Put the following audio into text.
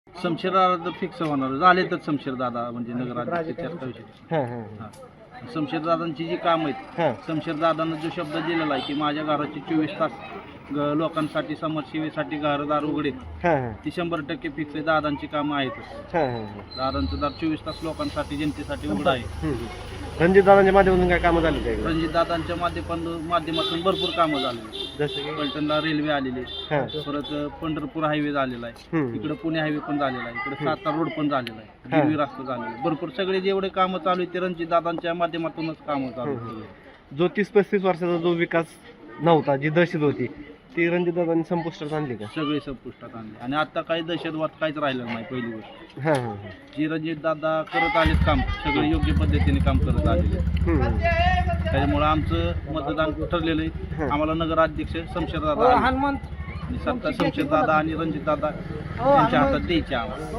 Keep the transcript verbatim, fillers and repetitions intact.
शमशेर दादा तर फिक्स होणार झाले तर शमशेर दादा म्हणजे नगराध्यक्ष त्यात काही विषय हां हां नाही. शमशेर दादांची जी काम आहेत हां शमशेर दादांना जो शब्द दिलेला आहे की माझ्या घराची चोवीस तास ग- लोकांसाठी समाजसेवेसाठी घरदार उघडे हां हां ती शंभर टक्के फिक्स आहे. दादांची कामं आहेतच. हां हां दादांचं दार चोवीस तास लोकांसाठी जनतेसाठी उघडं आहे. रणजित दादांच्या माध्यमातून काय कामं झाली काय रणजित दादांच्या माध्यमातून माध्यमातून भरपूर कामं झाली. जसं की पलटणला रेल्वे आलेली हां परत पंढरपूर हायवे झालेला आहे. हम्म. इकडे पुणे हायवे पण झालेला आहे. इकडे सातारा रोड पण झालेला आहे. गिरवी रस्ता झालेला आहे. भरपूर सगळे जेवढे कामं चालू आहेत ते रणजित दादांच्या माध्यमातूनच कामं चालू आहेत. जो तीस पस्तीस वर्षाचा जो विकास नव्हता जी दहशत होती ती रणजित दादांनी संपुष्टात आणली का सगळे संपुष्टात आणले आणि आता काही दहशतवाद काहीच राहिलेलं नाही. पहिली गोष्ट हां हां जी रणजित दादा करत आलेत काम सगळे योग्य पद्धतीने काम करत आलेले हां त्याच्यामुळे आमचं मतदान ठरलेलं आहे. आम्हाला नगराध्यक्ष शमशेर दादा आणि सत्ता शमशेर दादा आणि रणजित दादा यांच्या हातात द्यायचे आम्हाला.